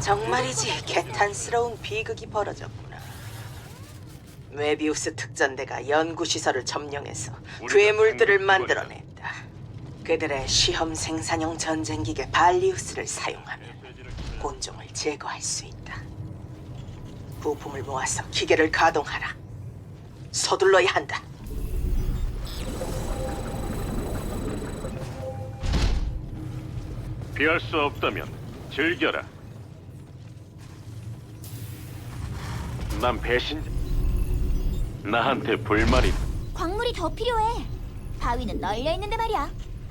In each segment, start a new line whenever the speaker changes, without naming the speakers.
정말이지 개탄스러운 비극이 벌어졌구나. 웨비우스 특전대가 연구시설을 점령해서 괴물들을 만들어냈다. 그들의 시험 생산용 전쟁기계 발리우스를 사용하면 곤종을 제거할 수 있다. 부품을 모아서 기계를 가동하라. 서둘러야 한다.
피할 수 없다면 즐겨라. 난 배신자. 나한테 불만이.
광물이 더 필요해. 바위는 널려 있는데 말이야.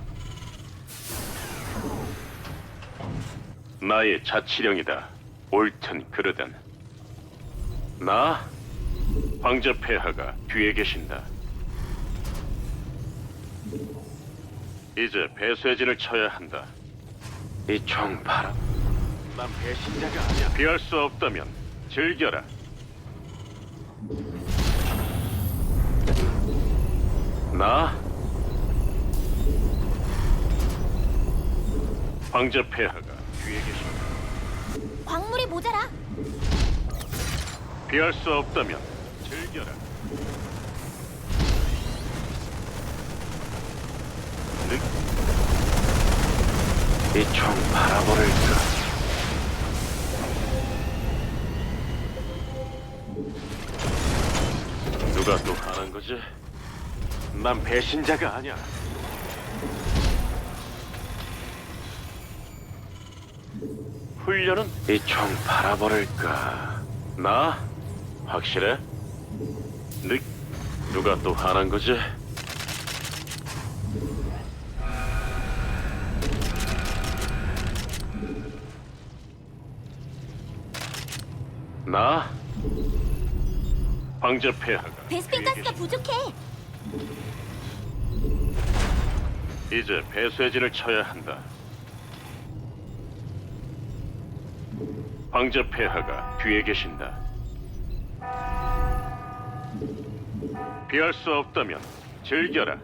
나의 자치령이다. 옳든 그르든. 나 황제 폐하가 뒤에 계신다. 이제 배쇄진을 쳐야 한다. 이 총 바람. 난 배신자가 아니야. 피할 수 없다면 즐겨라. 나 황제 폐하가 뒤에 계신다.
광물이 모자라.
피할 수 없다면 즐겨라. 이 총 바라버릴까? 누가 또 하는 거지? 난 배신자가 아니야. 훈련은 이 총 바라버릴까? 나? 확실해? 누가 또 하는 거지? 나? 황제 폐하가
베스핀 가스가 부족해.
이제 배쇄진을 쳐야 한다. 황제 폐하가 뒤에 계신다. 피할 수 없다면 즐겨라.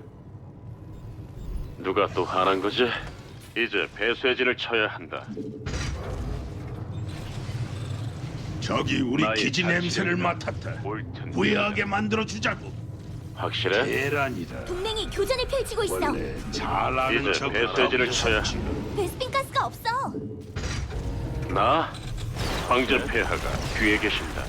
누가 또 하는 거지? 이제 배쇄진을 쳐야 한다.
저기 우리
나의
기지 냄새를 맡았다.
옳든
후회하게 만들어 주자고.
확실해?
계란이다.
동맹이 교전을 펼치고 있어.
원래 잘 아는
이제
척
배쇄진을 쳐야
베스핀 가스가 없어.
나? 황제 폐하가 뒤에 계신다.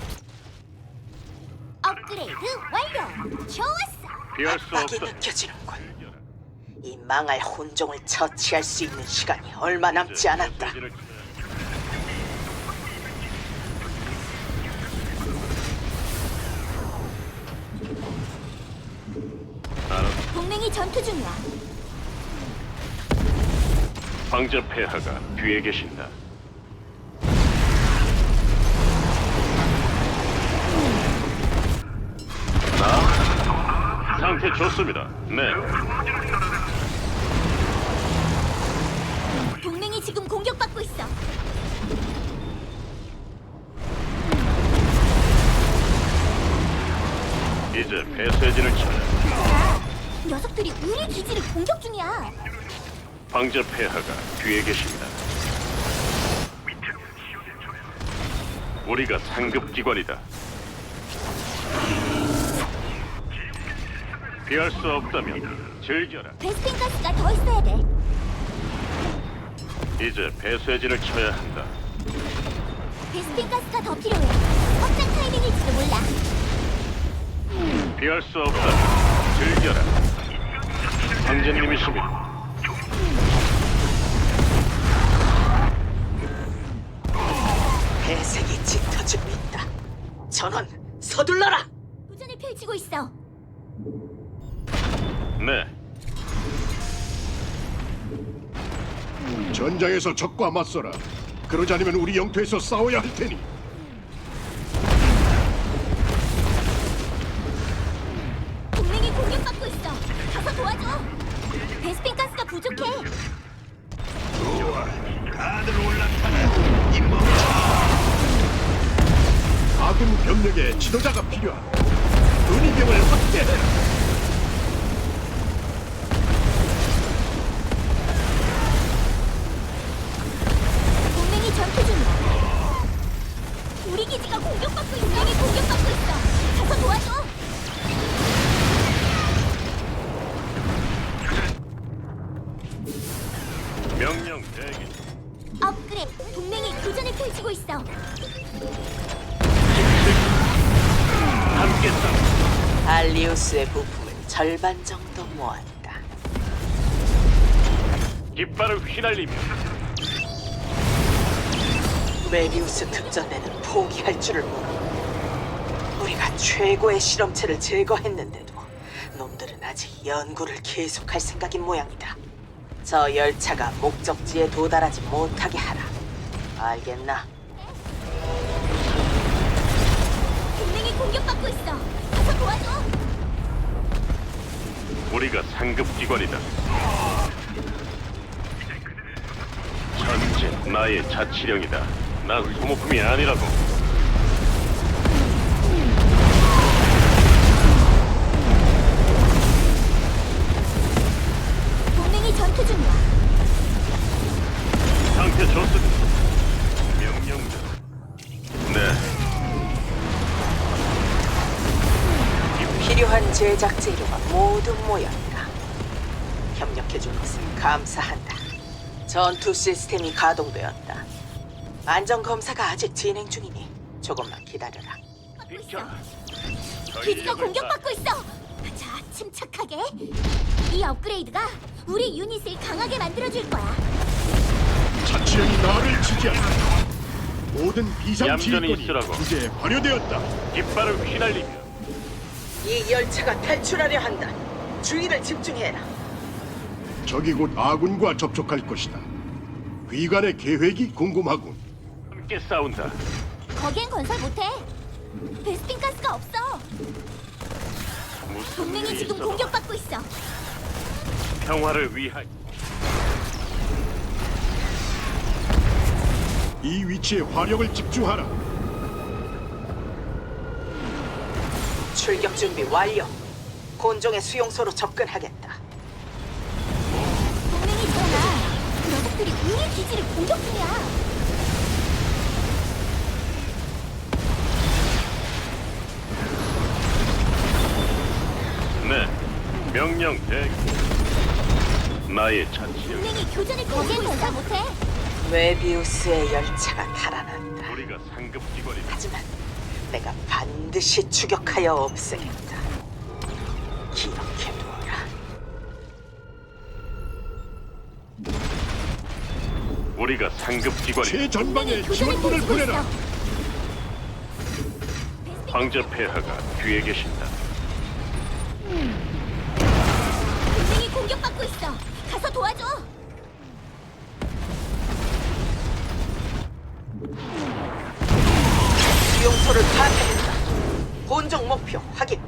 업그레이드 완료. 좋았어.
피할 수
압박이
없다.
느껴지는군. 이 망할 혼종을 처치할 수 있는 시간이 얼마 남지 않았다.
배쇄진을
동맹이 전투 중이야.
황제 폐하가 뒤에 계신다. 나? 상태 좋습니다. 네.
동맹이 지금 공격받고 있어.
이제 배쇄진을 쳐야.
녀석들이 우리 기지를 공격 중이야.
황제 폐하가 뒤에 계십니다. 우리가 상급 기관이다. 피할 수 없다면 즐겨라.
베스핀 가스가 더 있어야 돼.
이제 배쇄진을 쳐야 한다.
베스핀 가스가 더 필요해. 확장 타이밍일지도 몰라.
피할 수 없다면 즐겨라. 황제님이십니다.
배색이 짙어지고 있다. 전원 서둘러라.
교전을 펼치고 있어.
네.
전장에서 적과 맞서라. 그러지 않으면 우리 영토에서 싸워야 할 테니.
동맹이 공격받고 있어. 가서 도와줘. 베스핀 가스가 부족해.
좋아, 다들 올라타라. 이 멍청. 아군 병력의 지도자가 필요하다. 은희병을 확대해라.
동맹이 전투 중이야.
발리우스의 부품을 절반 정도 모았다.
깃발을 휘날리며
메비우스 특전대는 포기할 줄을 모르고 우리가 최고의 실험체를 제거했는데도 놈들은 아직 연구를 계속할 생각인 모양이다. 저 열차가 목적지에 도달하지 못하게 하라. 알겠나?
동맹이 공격받고 있어. 가서 도와줘.
우리가 상급 기관이다. 전체 나의 자치령이다. 난 소모품이 아니라고.
동맹이 전투 중이야.
상태 좋습니다. 명령대로. 네.
필요한 제작 재료가 모두 모였다. 협력해준 것을 감사한다. 전투 시스템이 가동되었다. 안전 검사가 아직 진행 중이니 조금만 기다려라.
비켜.
기지가 공격받고 있어. 자, 침착하게. 이 업그레이드가 우리 유닛을 강하게 만들어줄 거야.
자치령이 나를 지지한다. 모든 비상
얌전히
지휘권이
있으라고.
이제 발효되었다.
깃발을 휘날리며
이 열차가 탈출하려 한다. 주의를 집중해라.
적이 곧 아군과 접촉할 것이다. 위관의 계획이 궁금하군.
함께 싸운다.
거기엔 건설 못해. 베스핀 가스가 없어.
무슨
동맹이
일이
지금
있어도
공격받고 있어.
평화를 위하여.
이 위치에 화력을 집중하라.
출격 준비 완료. 곤종의 수용소로 접근하겠다.
동맹이 일어나. 녀석들이 우리 기지를 공격 중이야.
네. 명령 대기. 나의 자치령.
동맹이 교전을 거기엔 건설 못해.
메비우스의 열차가 달아난다.
우리가 상급 기관이다.
하지만 내가 반드시 추격하여 없애겠다. 기억해두어라.
우리가 상급 기관이다.
최전방에
교전을
지원군을
펼치고
보내라.
있어.
황제 폐하가 뒤에 계신다.
동맹이 공격받고 있어. 가서 도와줘.
수용소를 파괴했다. 곤종 목표 확인.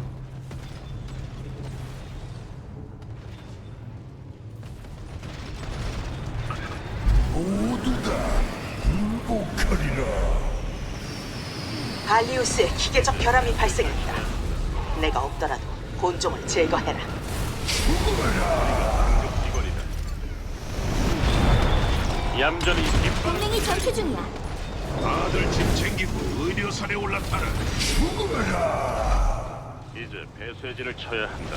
발리우스에 기계적 결함이 발생했다. 내가 없더라도 곤종을 제거해라.
기관이다. 얌전히 깃발.
동맹이 전투 중이야.
다들 짐 챙기고 의료선에 올라타라.
이제 배쇄진을 쳐야 한다.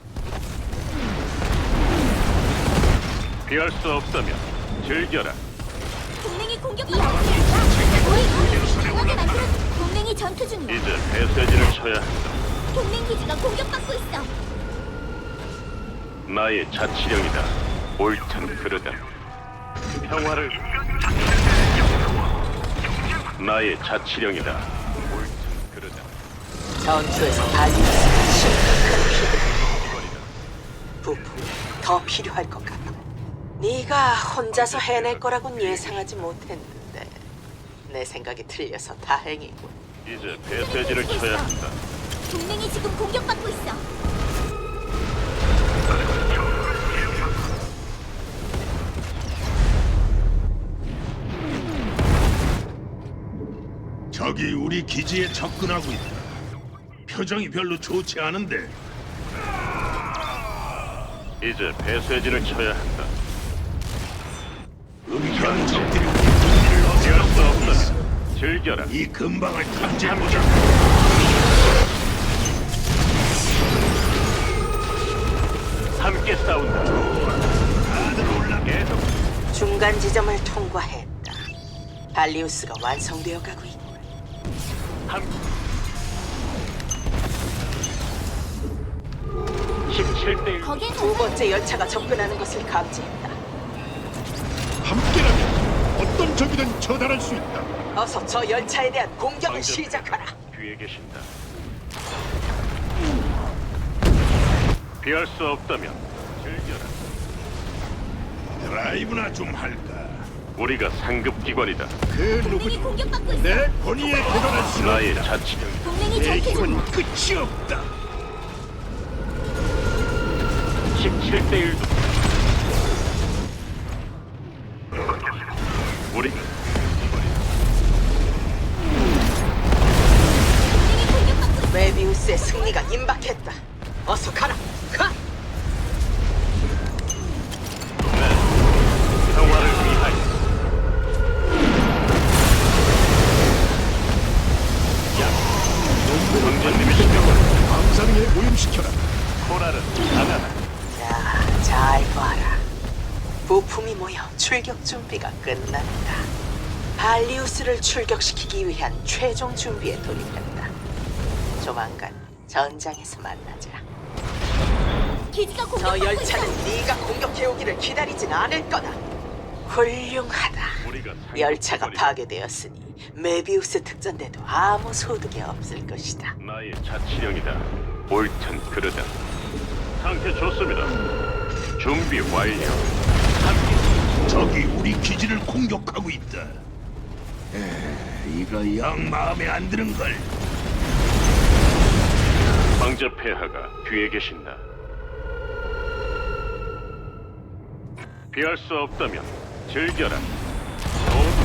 피할 수 없다면 즐겨라.
동맹이 공격. 이 업그레이드가 우리 유닛을 강하게 만들어. 동맹이 전투 중이야.
이제 배쇄진을 쳐야 한다.
동맹 기지가 공격받고 있어.
나의 자치령이다. 옳든 그르든 평화를. 나의 자치령이다. 옳든 그르든
전투에서 발리우스가 심각한 피해를. 부품이 더 필요할 것 같아. 네가 혼자서 해낼 거라곤 예상하지 못했는데 내 생각이 틀려서 다행이군.
이제 배쇄진을 쳐야 한다.
동맹이 지금 공격받고 있어.
적이 우리 기지에 접근하고 있다. 표정이 별로 좋지 않은데.
이제 배쇄진을 쳐야 한다.
은폐한 적들이 우리 기지를
피할 수
어지럽고 있어.
없다면 즐겨라.
이 근방을 탐지해보자.
함께 싸운다.
다들 올라.
계속
중간 지점을 통과했다. 발리우스가 완성되어 가고 있고
함. 17대1.
거기엔
두 번째 열차가 접근하는 것을 감지했다.
함께라면 어떤 적이든 처단할 수 있다.
어서 저 열차에 대한 공격을 시작하라.
뒤에 계신다. 피할 수 없다면 즐겨라.
드라이브나 좀 할까?
우리가 상급 기관이다.
그
동맹이
누구도
공격받고 있어.
내 권위에 도전할 수
나의
없다.
자치령.
동맹이
내
전투 중이야.
힘은 끝이 없다.
17대1도. 우리가
동맹이 공격받고 있어.
메비우스의 승리가 임박했다. 어서 가라. 가.
평화를 위하여. 황제님이시여.
방상에 오염시켜라.
코랄은 강하다.
자, 잘 봐라. 부품이 모여 출격 준비가 끝났다. 발리우스를 출격시키기 위한 최종 준비에 돌입했다. 조만간 전장에서 만나자.
기지가
저
공격받고 있어.
열차는 네가 공격해오기를 기다리진 않을 거다. 훌륭하다.
우리가 상급
열차가
기관이다.
파괴되었으니 메비우스 특전대도 아무 소득이 없을 것이다.
나의 자치령이다. 옳든 그르든. 상태 좋습니다. 준비 완료.
적이 우리 기지를 공격하고 있다. 이거 영 마음에 안 드는 걸.
황제 폐하가 뒤에 계신다. 피할 수 없다면 즐겨라. 모두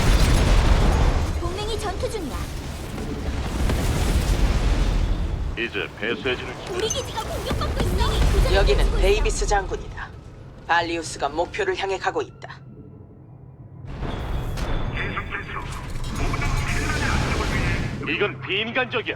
동맹이 전투 중이야.
이제 배쇄진을
우리 기지가 공격받고 있어.
여기는 데이비스 장군이다. 발리우스가 목표를 향해 가고 있다.
이건 비인간적이야.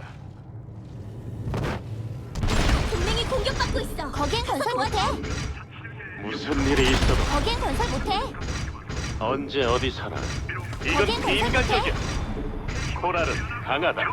동맹이 공격받고 있어. 거기엔 건설 못해.
무슨 일이 있어도
거기엔 건설 못해.
언제 어디 살아. 이건
거긴
비인간적이야. 코랄은 강하다.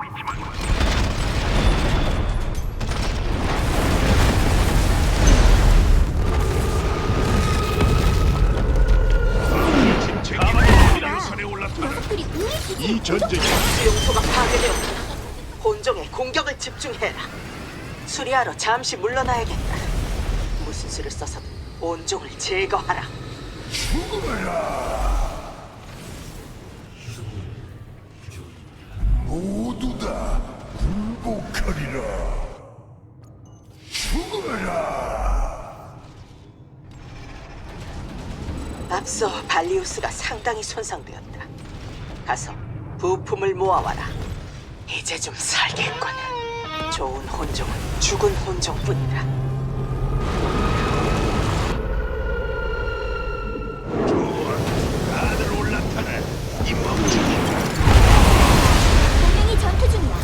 산에 올라타라.
녀석들이 우리 기지.
이 전쟁이
수용소가 파괴되었다. 본종에 공격을 집중해라. 수리하러 잠시 물러나야겠다. 무슨 수를 써서든 온종을 제거하라.
모두 다 굴복하리라. 죽어라.
앞서 발리우스가 상당히 손상되었다. 가서 부품을 모아와라. 이제 좀 살겠군. 좋은 혼종은 죽은 혼종뿐이다.
좋아. 다들 올라타라. 이 멍청이.
동맹이 전투 중이야.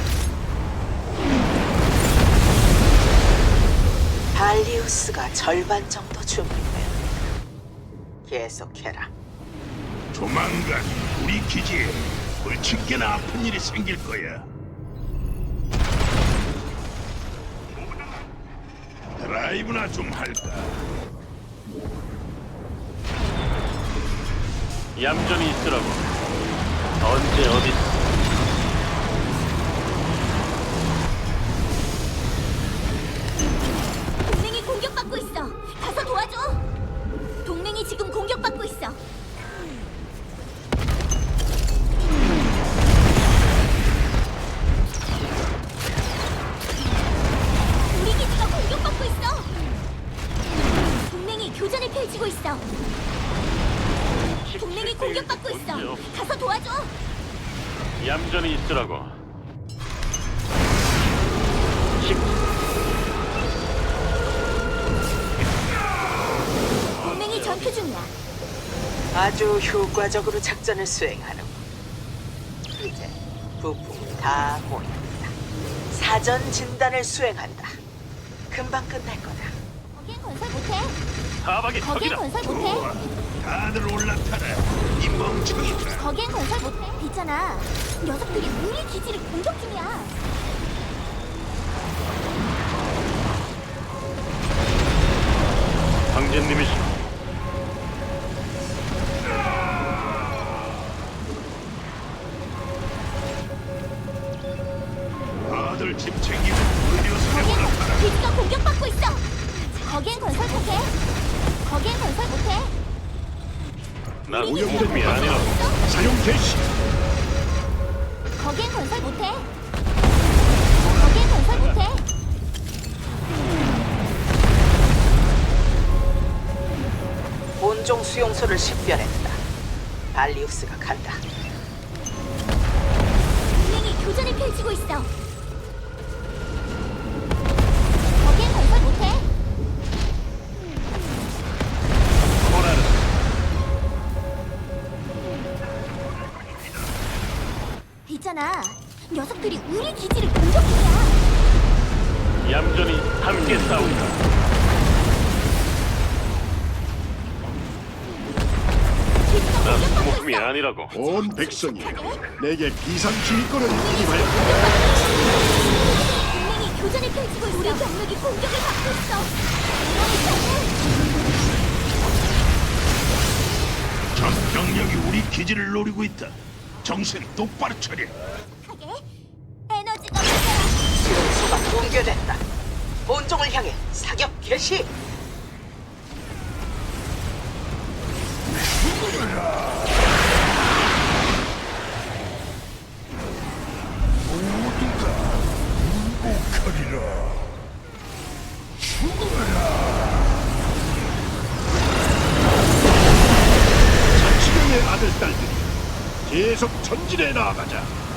발리우스가 절반 정도 준비되었다. 계속해라.
조만간 우리 기지에 불치게나 아픈 일이 생길 거야. 드라이브나 좀 할까?
얌전히 있으라고. 언제 어디
동맹이 공격받고 있어. 가서 도와줘. 동맹이 지금 공격받고 있어. 우리 기지가 공격받고 있어. 동맹이 교전을 펼치고 있어. 동맹이 공격받고 있어. 가서 도와줘.
얌전히 있으라고.
동맹이 전투 중이야.
아주 효과적으로 작전을 수행하는. 이제 부품이 다 모였다. 사전 진단을 수행한다. 금방 끝날 거다.
거긴 건설 못해.
사박이
거긴
적이다.
건설
좋아.
못해.
다들 올라타라. 이 멍청이들아.
거긴 건설 못해. 있잖아. 녀석들이 우리 기지를 공격 중이야. 거긴 건설 못해. 거긴 건설 못해.
난
오염된
소모품이 아니라고.
사용 개시.
거긴 건설 못해. 거긴 건설 못해.
본종 수용소를 식별했다. 발리우스가 간다.
동맹이 교전을 펼치고 있어. 거긴 건설 못해.
코라는
있잖아. 녀석들이 우리 기지를 공격 중이야.
얌전히 함께 싸운다.
기지가
난
공격받고
소모품이
있어.
아니라고.
온 백성이 내게 비상지휘권을 위임하여
동맹이 교전을 펼치고 있어. 우리 병력이 공격을 받고 있어. 이러니까는
적 병력이 우리 기지를 노리고 있다. 정신 똑바로 차려.
하게 에너지가 모자라.
수용소가 붕괴됐다. 본종을 향해 사격 개시.
자치령의 아들 딸들이 계속 전진해 나아가자.